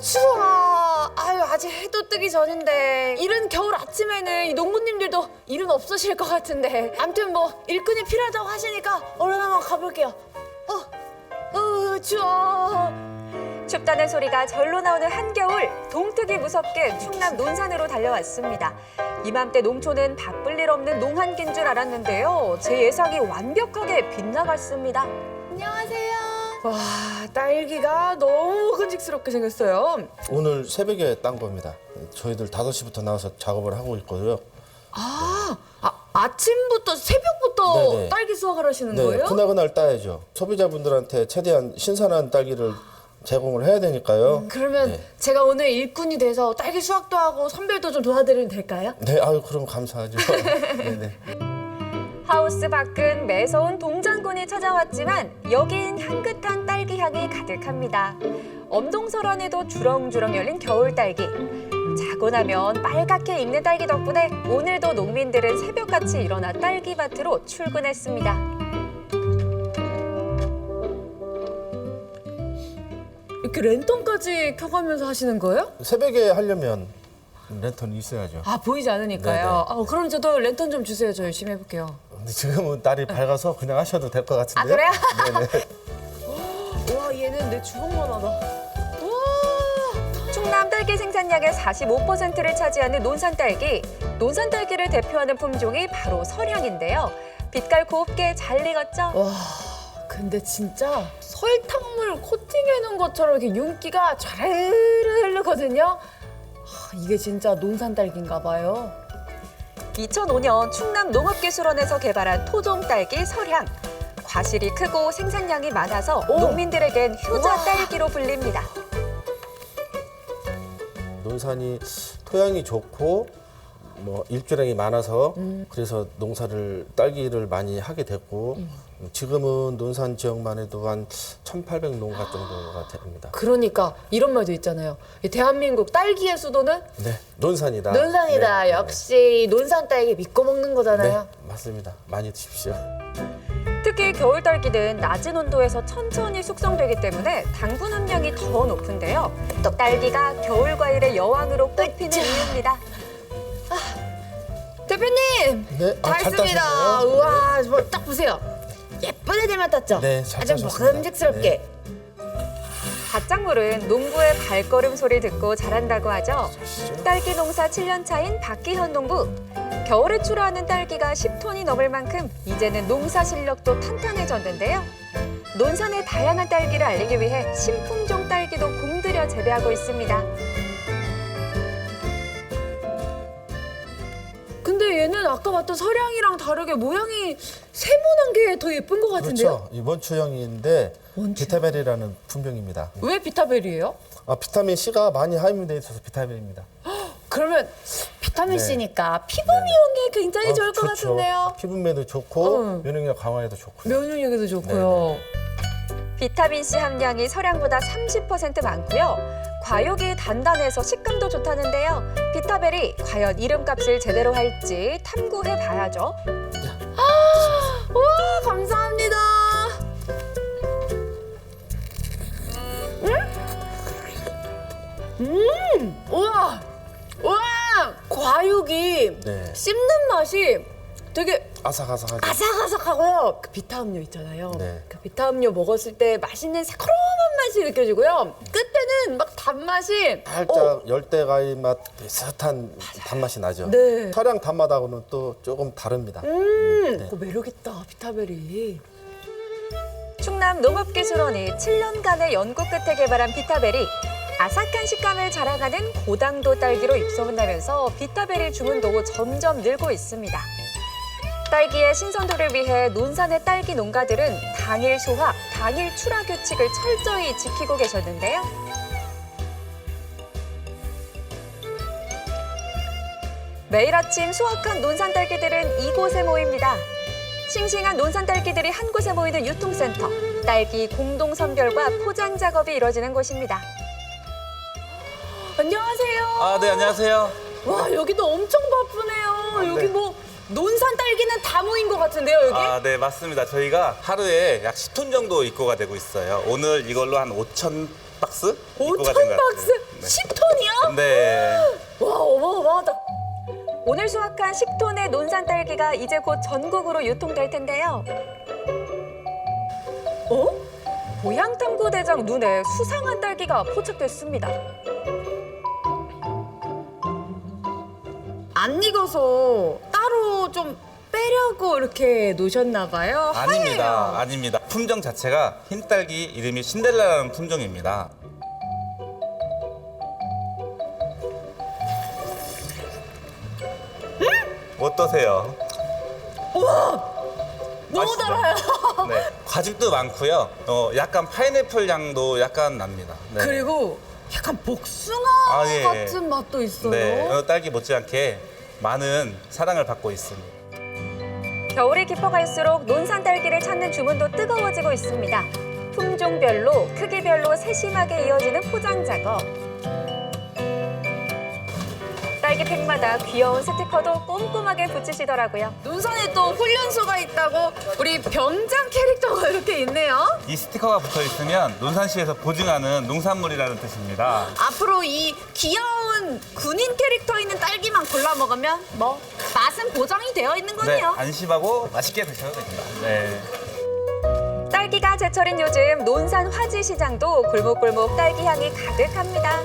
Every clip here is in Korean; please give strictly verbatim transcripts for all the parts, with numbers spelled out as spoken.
추워. 아유, 아직 해도 뜨기 전인데 이른 겨울 아침에는 이 농부님들도 일은 없으실 것 같은데 아무튼 뭐 일꾼이 필요하다고 하시니까 얼른 한번 가볼게요. 어, 어, 추워. 춥다는 소리가 절로 나오는 한겨울, 동특이 무섭게 충남 논산으로 달려왔습니다. 이맘때 농촌은 바쁠 일 없는 농한기인 줄 알았는데요. 제 예상이 완벽하게 빗나갔습니다. 안녕하세요. 와, 딸기가 너무 큼직스럽게 생겼어요. 오늘 새벽에 딴 겁니다. 저희들 다섯 시부터 나와서 작업을 하고 있고요. 아, 아 아침부터 새벽부터 네네. 딸기 수확을 하시는 네, 거예요? 그날그날 따야죠. 소비자분들한테 최대한 신선한 딸기를 제공을 해야 되니까요. 그러면 네. 제가 오늘 일꾼이 돼서 딸기 수확도 하고 선별도 좀 도와드리면 될까요? 네, 아유 그럼 감사하죠. 네네. 하우스 밖은 매서운 동장군이 찾아왔지만 여긴 향긋한 딸기 향이 가득합니다. 엄동설안에도 주렁주렁 열린 겨울 딸기. 자고 나면 빨갛게 익는 딸기 덕분에 오늘도 농민들은 새벽같이 일어나 딸기밭으로 출근했습니다. 이렇게 랜턴까지 켜가면서 하시는 거예요? 새벽에 하려면 랜턴이 있어야죠. 아, 보이지 않으니까요. 네네. 아, 그럼 저도 랜턴 좀 주세요. 저 열심히 해볼게요. 근데 지금은 날이 밝아서 그냥 하셔도 될 것 같은데. 아, 그래요? 네네. 와, 얘는 내 주먹만 하다. 충남 딸기 생산량의 사십오 퍼센트를 차지하는 논산 딸기. 논산 딸기를 대표하는 품종이 바로 설향인데요. 빛깔 곱게 잘 익었죠? 와, 근데 진짜 설탕물 코팅해 놓은 것처럼 이렇게 윤기가 좌르르 흐르거든요. 아, 이게 진짜 논산 딸기인가 봐요. 이천오 년 충남 농업기술원에서 개발한 토종 딸기 설향. 과실이 크고 생산량이 많아서 오. 농민들에겐 효자 우와. 딸기로 불립니다. 논산이 토양이 좋고 뭐 일조량이 많아서 그래서 농사를 딸기를 많이 하게 됐고 지금은 논산 지역만 해도 한 천팔백 농가 정도가 됩니다. 그러니까 이런 말도 있잖아요. 이 대한민국 딸기의 수도는 네, 논산이다. 논산이다. 네, 역시 논산 딸기 믿고 먹는 네, 거잖아요. 네, 맞습니다. 많이 드십시오. 특히 겨울 딸기는 낮은 온도에서 천천히 숙성되기 때문에 당분 함량이 더 높은데요. 또 딸기가 겨울 과일의 여왕으로 꼽히는 으쌰. 이유입니다. 대표님, 네, 다 아, 잘 했습니다. 따셨네요. 우와, 뭐 딱 보세요. 예쁜 애들만 땄죠? 네, 잘 아주 따셨습니다. 먹음직스럽게. 갓작물은 농부의 발걸음 소리 듣고 자란다고 하죠. 아시죠? 딸기 농사 칠 년 차인 박기현 농부. 겨울에 출하하는 딸기가 십 톤이 넘을 만큼 이제는 농사 실력도 탄탄해졌는데요. 논산의 다양한 딸기를 알리기 위해 신품종 딸기도 공들여 재배하고 있습니다. 근데 얘는 아까 봤던 설향이랑 다르게 모양이 세모난 게 더 예쁜 것 같은데요? 그렇죠. 이 원추형인데 원추. 비타벨이라는 품종입니다. 왜 비타벨이에요? 아, 비타민 C가 많이 함유되어 있어서 비타벨입니다. 그러면 비타민 네. C니까 피부 미용에 굉장히 아, 좋을 것 좋죠. 같은데요. 피부매도 좋고 응. 면역력 강화에도 좋고요. 면역력에도 좋고요. 비타민C 함량이 설향보다 삼십 퍼센트 많고요. 과육이 단단해서 식감도 좋다는데요. 비타벨이 과연 이름값을 제대로 할지 탐구해 봐야죠. 와, 감사합니다. 음, 음, 우와, 우와, 과육이 네. 씹는 맛이 되게 아삭아삭하죠. 아삭아삭하고요. 그 비타음료 있잖아요. 네. 그 비타음료 먹었을 때 맛있는 새콤한 맛이 느껴지고요. 끝에는 막 단맛이 살짝 어, 열대과일 맛 비슷한 단맛이 나죠. 네. 설향 단맛하고는 또 조금 다릅니다. 음, 네. 그 매력 있다 비타벨이. 충남 농업기술원이 칠 년간의 연구 끝에 개발한 비타벨이 아삭한 식감을 자랑하는 고당도 딸기로 입소문나면서 비타벨의 주문도 점점 늘고 있습니다. 딸기의 신선도를 위해 논산의 딸기 농가들은 당일 수확, 당일 출하 규칙을 철저히 지키고 계셨는데요. 매일 아침 수확한 논산 딸기들은 이곳에 모입니다. 싱싱한 논산 딸기들이 한 곳에 모이는 유통센터, 딸기 공동 선별과 포장 작업이 이뤄지는 곳입니다. 안녕하세요. 아, 네, 안녕하세요. 와, 여기도 엄청 바쁘네요. 아, 여기 네. 뭐 논산 딸기는 다 모인 것 같은데요, 여기? 아, 네, 맞습니다. 저희가 하루에 약 십 톤 정도 입고가 되고 있어요. 오늘 이걸로 한 오천 박스 오천 입고가 된 것 박스? 같아요. 십 톤이요? 네. 네. 와, 어마어마하다. 오늘 수확한 십 톤의 논산 딸기가 이제 곧 전국으로 유통될 텐데요. 어? 고향탐구대장 눈에 수상한 딸기가 포착됐습니다. 안 익어서 따로 좀 빼려고 이렇게 놓으셨나 봐요. 아닙니다. 하얘요. 아닙니다. 품종 자체가 흰딸기 이름이 신데렐라라는 품종입니다. 어떠세요? 너무 맛있죠? 달아요. 네. 과즙도 많고요. 어, 약간 파인애플 향도 약간 납니다. 네. 그리고 약간 복숭아 아, 예. 같은 맛도 있어요. 네. 어, 딸기 못지않게 많은 사랑을 받고 있습니다. 겨울이 깊어갈수록 논산 딸기를 찾는 주문도 뜨거워지고 있습니다. 품종별로, 크기별로 세심하게 이어지는 포장 작업. 딸기팩마다 귀여운 스티커도 꼼꼼하게 붙이시더라고요. 논산에 또 훈련소가 있다고 우리 병장 캐릭터가 이렇게 있네요. 이 스티커가 붙어 있으면 논산시에서 보증하는 농산물이라는 뜻입니다. 앞으로 이 귀여운 군인 캐릭터 있는 딸기만 골라 먹으면 뭐 맛은 보장이 되어 있는 네, 거네요. 안심하고 맛있게 드셔도 됩니다. 네. 딸기가 제철인 요즘 논산 화지 시장도 골목골목 딸기 향이 가득합니다.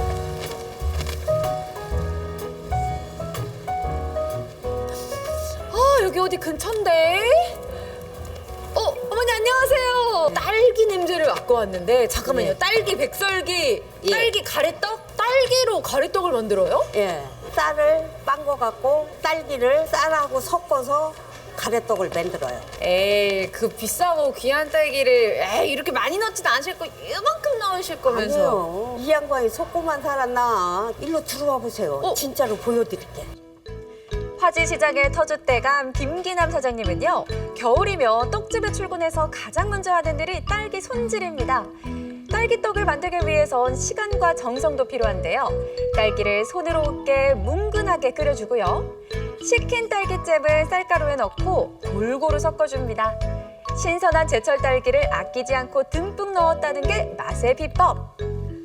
아, 여기 어디 근처인데? 어, 어머니 안녕하세요. 딸기 냄새를 맡고 왔는데 잠깐만요. 네. 딸기 백설기, 예. 딸기 가래떡? 딸기로 가래떡을 만들어요? 예, 쌀을 빤 거 갖고 딸기를 쌀하고 섞어서 가래떡을 만들어요. 에이, 그 비싸고 귀한 딸기를 에이, 이렇게 많이 넣지도 않으실 거 이만큼 넣으실 거면서. 아니요, 이 양반이 속고만 살았나? 일로 들어와 보세요. 어? 진짜로 보여드릴게. 화지 시장의 터줏대감 김기남 사장님은요. 겨울이면 떡집에 출근해서 가장 먼저 하는 일이 딸기 손질입니다. 딸기떡을 만들기 위해선 시간과 정성도 필요한데요. 딸기를 손으로 으깨 뭉근하게 끓여주고요. 식힌 딸기잼을 쌀가루에 넣고 골고루 섞어줍니다. 신선한 제철 딸기를 아끼지 않고 듬뿍 넣었다는 게 맛의 비법.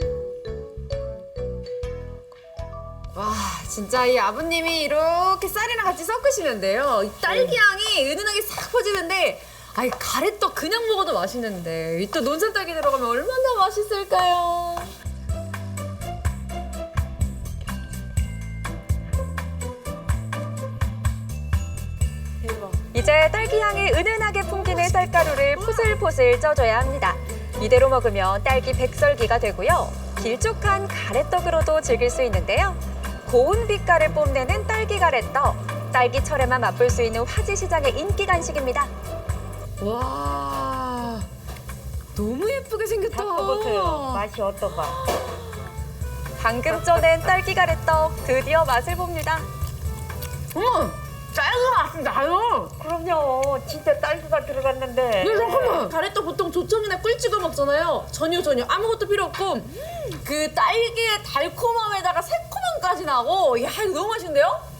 와, 진짜 이 아버님이 이렇게 쌀이랑 같이 섞으시는데요. 이 딸기 향이 은은하게 싹 퍼지는데, 아이 가래떡 그냥 먹어도 맛있는데 이 또 논산 딸기 들어가면 얼마나 맛있을까요? 이제 딸기 향이 은은하게 풍기는 쌀가루를 포슬포슬 쪄줘야 합니다. 이대로 먹으면 딸기 백설기가 되고요. 길쭉한 가래떡으로도 즐길 수 있는데요. 고운 빛깔을 뽐내는 딸기 가래떡. 딸기철에만 맛볼 수 있는 화지시장의 인기 간식입니다. 와, 너무 예쁘게 생겼다. 맛이 어떤가? 방금 쪄낸 딸기 가래떡 드디어 맛을 봅니다. 어머, 딸기 맛이 나요. 그럼요, 진짜 딸기가 들어갔는데. 네, 잠깐만. 가래떡 보통 조청이나 꿀 찍어 먹잖아요. 전혀 전혀 아무것도 필요 없고 그 딸기의 달콤함에다가 새콤함까지 나고, 야, 이거 너무 맛있는데요?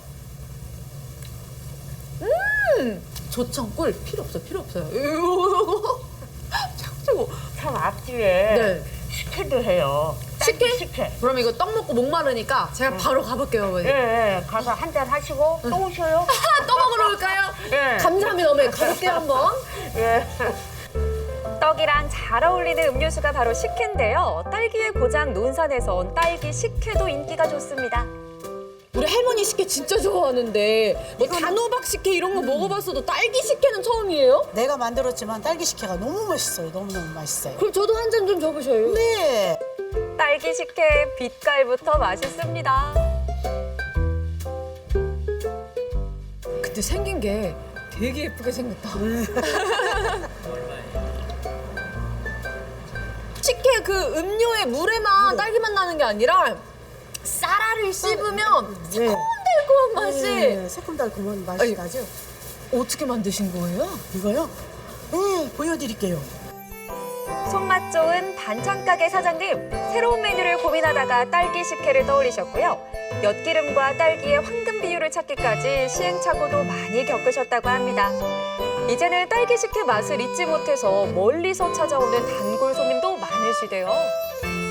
음, 조청 꿀 필요 없어, 필요 없어요. 이거 착주고. 참 앞집에 네. 식혜도 해요. 딸기 식혜? 식혜. 그럼 이거 떡 먹고 목 마르니까 제가 바로 가볼게요, 어머니. 예, 예, 가서 한 잔 하시고 또 오셔요. 아, 또 먹으러 올까요? 예. 감사합니다, 어머니. 가볼게요, 한번. 예. 떡이랑 잘 어울리는 음료수가 바로 식혜인데요. 딸기의 고장 논산에선 딸기 식혜도 인기가 좋습니다. 우리 할머니 식혜 진짜 좋아하는데 뭐 단호박 식혜 이런 거 먹어봤어도 딸기 식혜는 처음이에요? 내가 만들었지만 딸기 식혜가 너무 맛있어요. 너무너무 맛있어요. 그럼 저도 한 잔 좀 줘보셔요. 네. 딸기 식혜 빛깔부터 맛있습니다. 근데 생긴 게 되게 예쁘게 생겼다. 식혜 그 음료의 물에만 딸기맛 나는 게 아니라 쌀알을 씹으면 새콤달콤한 맛이. 네, 새콤달콤한 맛이 아니, 나죠. 어떻게 만드신 거예요? 이거요? 네, 보여드릴게요. 손맛 좋은 반찬가게 사장님, 새로운 메뉴를 고민하다가 딸기 식혜를 떠올리셨고요. 엿기름과 딸기의 황금 비율을 찾기까지 시행착오도 많이 겪으셨다고 합니다. 이제는 딸기 식혜 맛을 잊지 못해서 멀리서 찾아오는 단골 손님도 많으시대요.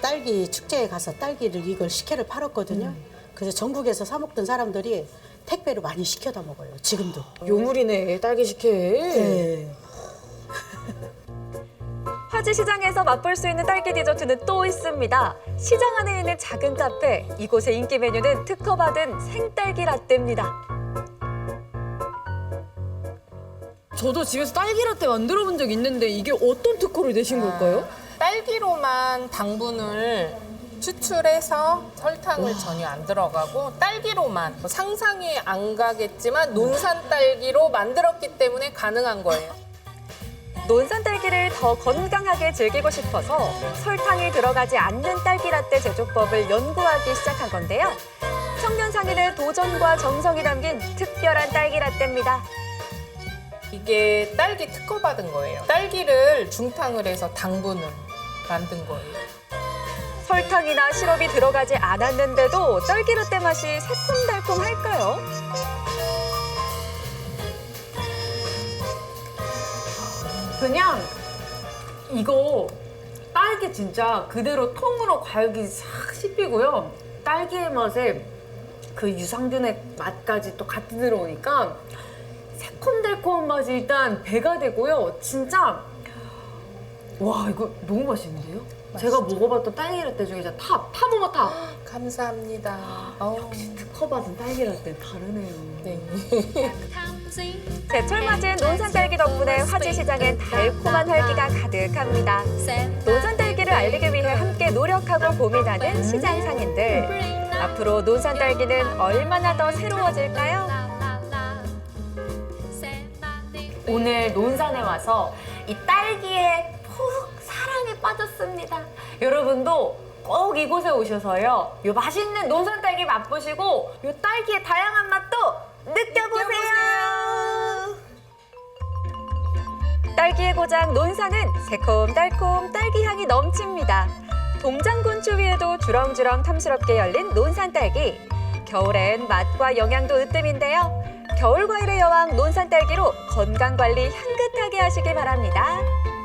딸기 축제에 가서 딸기를 이걸 식혜를 팔았거든요. 그래서 전국에서 사 먹던 사람들이 택배로 많이 시켜다 먹어요. 지금도. 요물이네 딸기 식혜. 네. 화지시장에서 맛볼 수 있는 딸기 디저트는 또 있습니다. 시장 안에 있는 작은 카페, 이곳의 인기 메뉴는 특허받은 생딸기 라떼입니다. 저도 집에서 딸기 라떼 만들어 본 적 있는데 이게 어떤 특허를 내신 걸까요? 딸기로만 당분을 추출해서 설탕을 전혀 안 들어가고 딸기로만 상상이 안 가겠지만 논산 딸기로 만들었기 때문에 가능한 거예요. 논산 딸기를 더 건강하게 즐기고 싶어서 설탕이 들어가지 않는 딸기 라떼 제조법을 연구하기 시작한 건데요. 청년 상인의 도전과 정성이 담긴 특별한 딸기 라떼입니다. 이게 딸기 특허 받은 거예요. 딸기를 중탕을 해서 당분을 만든 거예요. 설탕이나 시럽이 들어가지 않았는데도 딸기 라떼 맛이 새콤달콤할까요? 그냥 이거 딸기 진짜 그대로 통으로 과육이 싹 씹히고요. 딸기의 맛에 그 유산균의 맛까지 또 같이 들어오니까 새콤달콤한 맛이 일단 배가 되고요. 진짜 와 이거 너무 맛있는데요? 제가 먹어봤던 딸기 라떼 중에 진짜 탑! 탑 오버 탑! 감사합니다. 어우, 특허받은 딸기 라떼 다르네요. 네. 제철 맞은 논산 딸기 덕분에 화지시장엔 달콤한 활기가 가득합니다. 논산 딸기를 알리기 위해 함께 노력하고 고민하는 시장 상인들. 앞으로 논산 딸기는 얼마나 더 새로워질까요? 오늘 논산에 와서 이 딸기에 푹 사랑에 빠졌습니다. 여러분도 꼭 이곳에 오셔서요. 요 맛있는 논산 딸기 맛보시고 요 딸기의 다양한 맛도 느껴보세요. 딸기의 고장 논산은 새콤달콤 딸기 향이 넘칩니다. 동장군추 위에도 주렁주렁 탐스럽게 열린 논산 딸기. 겨울엔 맛과 영양도 으뜸인데요. 겨울 과일의 여왕 논산 딸기로 건강 관리 향긋하게 하시길 바랍니다.